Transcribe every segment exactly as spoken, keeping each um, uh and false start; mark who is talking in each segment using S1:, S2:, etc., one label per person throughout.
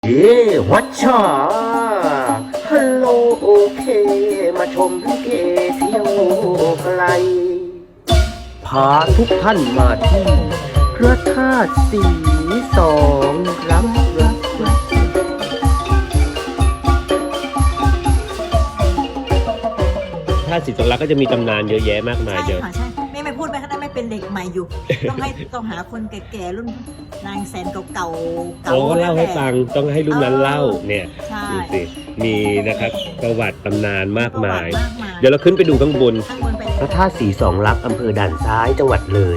S1: เย่วัชชาฮัลโหลโอเคมาชมลิเกเที่ยวไกลพาทุกท่านมาที่พระธาตุสีสองรับรับรับ
S2: ถ้าศิษย์สงรักก็จะมีตำนานเยอะแยะมากมาย
S3: ใช่
S2: เดี๋ยว
S3: ค่ะใช่ไม่ไม่พูดไปก็ได้ไม่เป็นเด็กใหม่อยู่ ต้องให้ต้องหาคนแก่ๆรุ่นนางแสนเก่าๆเก่า
S2: โอ้ก็เล่าให้ฟังต้องให้รุ่นนั้นเล่าเนี่ย
S3: ใช่
S2: ดูสิมีนะครับประวัติตำนานมากมาย
S3: ประวัติมากมาย
S2: เดี๋ยวเราขึ้นไปดูข้างบน
S3: ข้างบนไปเลย
S1: พระธาตุสีสองรักอำเภอด่านซ้ายจังหวัดเลย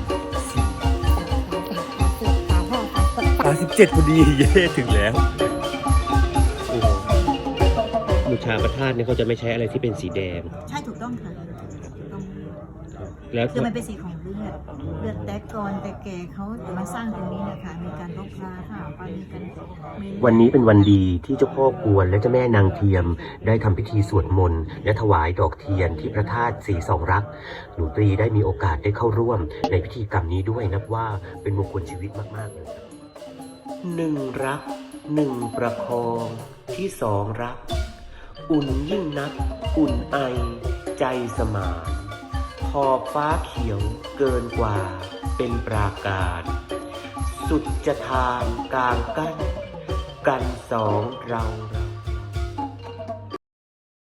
S4: สามสิบเจ็ดพอดีเย่ถึงแล้ว
S2: โอ้โหบูชาพระธาตุเนี่ยเขาจะไม่ใช้อะไรที่เป็นสีแดง
S3: ใช่ถูกต้องค่ะถูกต้อง
S2: แล้ว
S3: คือมันเป็นสีของเลือดเลือดแต่ก่อนแต่แก่เขาจะมาสร้างตรงนี้นะคะมีการรบราค่ะว่ามีการมี
S1: วันนี้เป็นวันดีที่เจ้าพ่อกวนและเจ้าแม่นางเทียมได้ทำพิธีสวดมนต์และถวายดอกเทียนที่พระธาตุสีสองรักหนูตรีได้มีโอกาสได้เข้าร่วมในพิธีกรรมนี้ด้วยนับว่าเป็นมงคลชีวิตมากๆเลยหนึ่งรักหนึ่งประคองที่สองรักอุ่นยิ่งนักอุ่นไอใจสมานขอบฟ้าเขียวเกินกว่าเป็นปราการสุดจะทานกลางกั้นกันสองเราเรา